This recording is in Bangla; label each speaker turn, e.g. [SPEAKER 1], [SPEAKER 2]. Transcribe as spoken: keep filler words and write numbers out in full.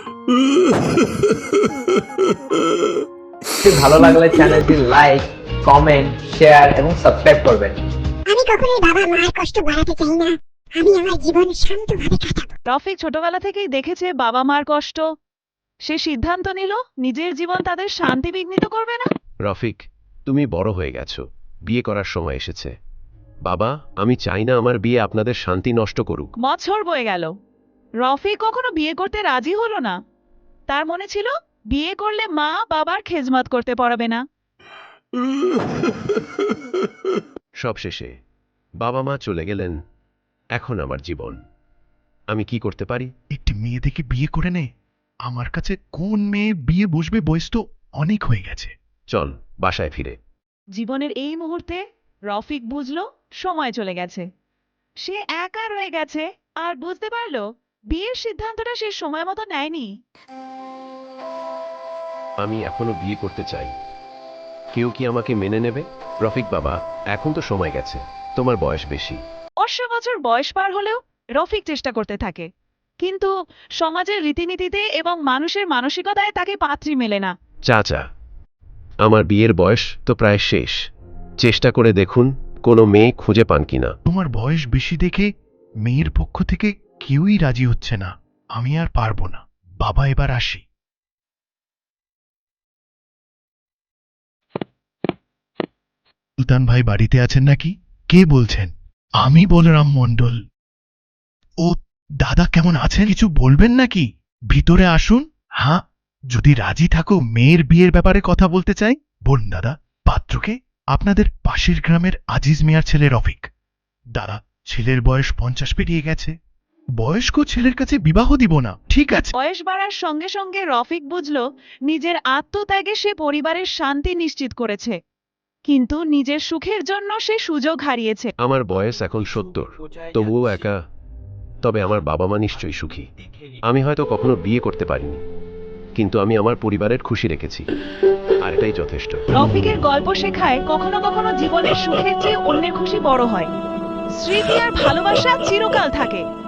[SPEAKER 1] ভালো লাগলে চ্যানেলটি লাইক, কমেন্ট, শেয়ার এবং সাবস্ক্রাইব করবেন।
[SPEAKER 2] আমি কখনোই বাবা মায়ের কষ্ট বাড়াতে চাই না। আমি আমার জীবন শান্তভাবে কাটাবো।
[SPEAKER 3] রফিক ছোটবেলা থেকেই দেখেছে বাবা মার কষ্ট। সে সিদ্ধান্ত নিল নিজের জীবন তাদের শান্তি বিঘ্নিত করবে না।
[SPEAKER 4] রফিক, তুমি বড় হয়ে গেছো, বিয়ে করার সময় এসেছে। বাবা, আমি চাই না আমার বিয়ে আপনাদের শান্তি নষ্ট করুক।
[SPEAKER 3] বছর বয়ে গেল, রফিক কখনো বিয়ে করতে রাজি হলো না। তার মনে ছিল বিয়ে করলে মা বাবার খেজমত করতে পারবে না।
[SPEAKER 4] সব শেষে বাবা মা চলে গেলেন। এখন আমার জীবন, আমি কি করতে পারি?
[SPEAKER 5] একটি মেয়ে দেখে বিয়ে করে নে। আমার কাছে কোন মেয়ে বিয়ে বসবে বয়স তো অনেক হয়ে গেছে।
[SPEAKER 4] চল বাসায় ফিরে।
[SPEAKER 3] জীবনের এই মুহূর্তে রফিক বুঝলো সময় চলে গেছে। সে একা রয়ে গেছে আর বুঝতে পারলো বিয়ের সিদ্ধান্তটা সে সময় মতো নেয়নি।
[SPEAKER 4] আমি এখনো বিয়ে করতে চাই। কেউ কি আমাকে মেনে নেবে? রফিক বাবা, এখন তো সময় গেছে, তোমার বয়স বেশি।
[SPEAKER 3] অষ্টা বছর বয়স পার হলেও রফিক চেষ্টা করতে থাকে, কিন্তু সমাজের রীতিনীতিতে এবং মানুষের মানসিকতায় তাকে পাত্রী মেলে না।
[SPEAKER 4] চাচা, আমার বিয়ের বয়স তো প্রায় শেষ। চেষ্টা করে দেখুন কোনো মেয়ে খুঁজে পান কিনা।
[SPEAKER 5] তোমার বয়স বেশি দেখে মেয়ের পক্ষ থেকে কেউই রাজি হচ্ছে না। আমি আর পারবো না। বাবা, এবার আসি। সুলতান ভাই বাড়িতে আছেন নাকি? কে বলছেন? আমি বলরাম মণ্ডল। ও দাদা, কেমন আছেন? কিছু বলবেন নাকি? ভিতরে আসুন। হ্যাঁ, যদি রাজি থাকো মেয়ের বিয়ের ব্যাপারে কথা বলতে চাই। বলুন দাদা। পাত্রকে? আপনাদের পাশের গ্রামের আজিজ মিয়ার ছেলে রফিক। দাদা, ছেলের বয়স পঞ্চাশ পেরিয়ে গেছে। বয়স্ক ছেলের কাছে বিবাহ দিব না। ঠিক আছে।
[SPEAKER 3] বয়স বাড়ার সঙ্গে সঙ্গে রফিক বুঝলো নিজের আত্মত্যাগে সে পরিবারের শান্তি নিশ্চিত করেছে, কিন্তু নিজের সুখের জন্য সে সুযোগ হারিয়েছে।
[SPEAKER 4] আমার বয়স এখন সত্তর, তবুও একা। তবে আমার বাবা মা নিশ্চয়ই সুখী। আমি হয়তো কখনো বিয়ে করতে পারিনি, কিন্তু আমি আমার পরিবারের খুশি রেখেছি, আর এটাই যথেষ্ট।
[SPEAKER 3] রফিকের গল্প শেখায় কখনো কখনো জীবনের সুখের চেয়ে অন্যের খুশি বড় হয়। স্মৃতি আর ভালোবাসা চিরকাল থাকে।